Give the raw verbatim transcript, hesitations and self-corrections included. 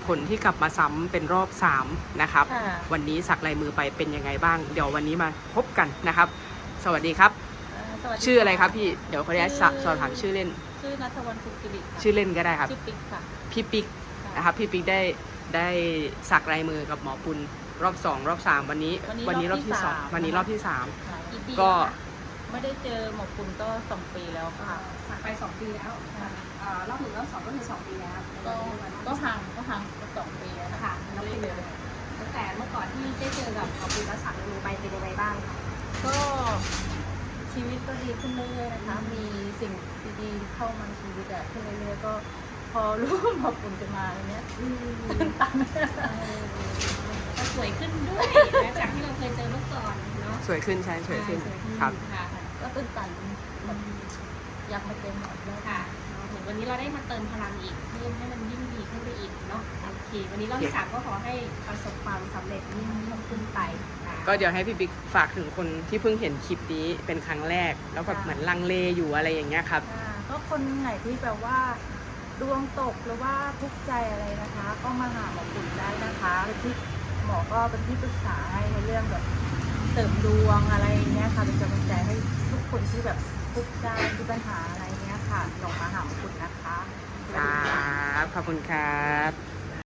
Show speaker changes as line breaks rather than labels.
คนที่กลับมาซ้ำเป็นรอบสามนะครับ
ค่ะ
วันนี้สักลายมือไปเป็นยังไงบ้างเดี๋ยววันนี้มาพบกันนะครับ สวัสดีครับ
อ่าสวัสดี
ชื่ออะไรครับพี่เดี๋ยวขออนุญาตสอบสอบถามชื่อเล่น
ชื่อนัทวันคุกิริค่ะ
ชื่อเล่นก็ได้ครับ
ชื่อปิ๊กค่ะ
พี่ปิ๊ก
ค่ะ
นะครับพี่ปิ๊กได้ได้สักลายมือกับหมอปุณรอบสองรอบสามวันนี้
วันนี้
นี้รอบที่สอง
รอบที่สาม
วันนี้รอบที่สาม
ค่ะ
กี่ปี
ก็
แล้วคะ
ไม่ได้เจอหมอปุณก็สองปีแล้วค่ะ
สักไปสองปีแล้วเอ่อรอบหนึ่งรอบสองก็คือสองปีแล้ว
ก็ก็ห่างก็ห่างกันสองปีแล้ว
ค่ะ
ไม่ได้เจอ
ตั้งแต่เมื่อก่อนที่ได้เจอกับขอบคุณแล้วสักมือไปเป็นยังไงบ้างคะ
ก็ชีวิตก็ดีขึ้นเรื่อยๆนะคะ มีสิ่งดีๆเข้ามาในชีวิตอะขึ้นเรื่อยๆก็พอรู้ว่าหมอปุณจะมาอะไรเนี้ย
อืม
ตัน
ก็สวยขึ้นด้วยนะจากที่เราเคยเจอเมื่อก่อนเนาะ
สวยขึ้นใช่สวยขึ้น
สวยขึ้น
ครับ
ค่ะ
ก็ตื่นตันแบบอยากมาเจอหมอแล้ว
ค่ะเหมือนวันนี้เราได้มาเติมพลังอีกเพิ่มให้มันยิ่งดีขึ้นไปอีกเนาะโอเควันนี้รอบที่สามก็ขอให้ประสบความสำเร็จยิ่งยิ่งขึ้นไปค่ะ
ก็เดี๋ยวให้พี่บิ๊กฝากถึงคนที่เพิ่งเห็นคลิปนี้เป็นครั้งแรก แล้วแบบเหมือนลังเลอยู่อะไรอย่างเงี้ยครับ
อ่าก็คนไหนที่แบบว่าดวงตกหรือว่าทุกข์ใจอะไรนะคะ ก็มาหาหมอปุณได้นะคะที่หมอก็เป็นที่ปรึกษาให้ในเรื่องแบบเสริมดวงอะไรอย่างเงี้ยค่ะเป็นกำลังใจให้ทุกคนที่แบบทุกข์ใจมีปัญหาอะไรเงี้ยค่ะลองมาหาหมอปุณนะคะ
ครับ ขอบคุณครับ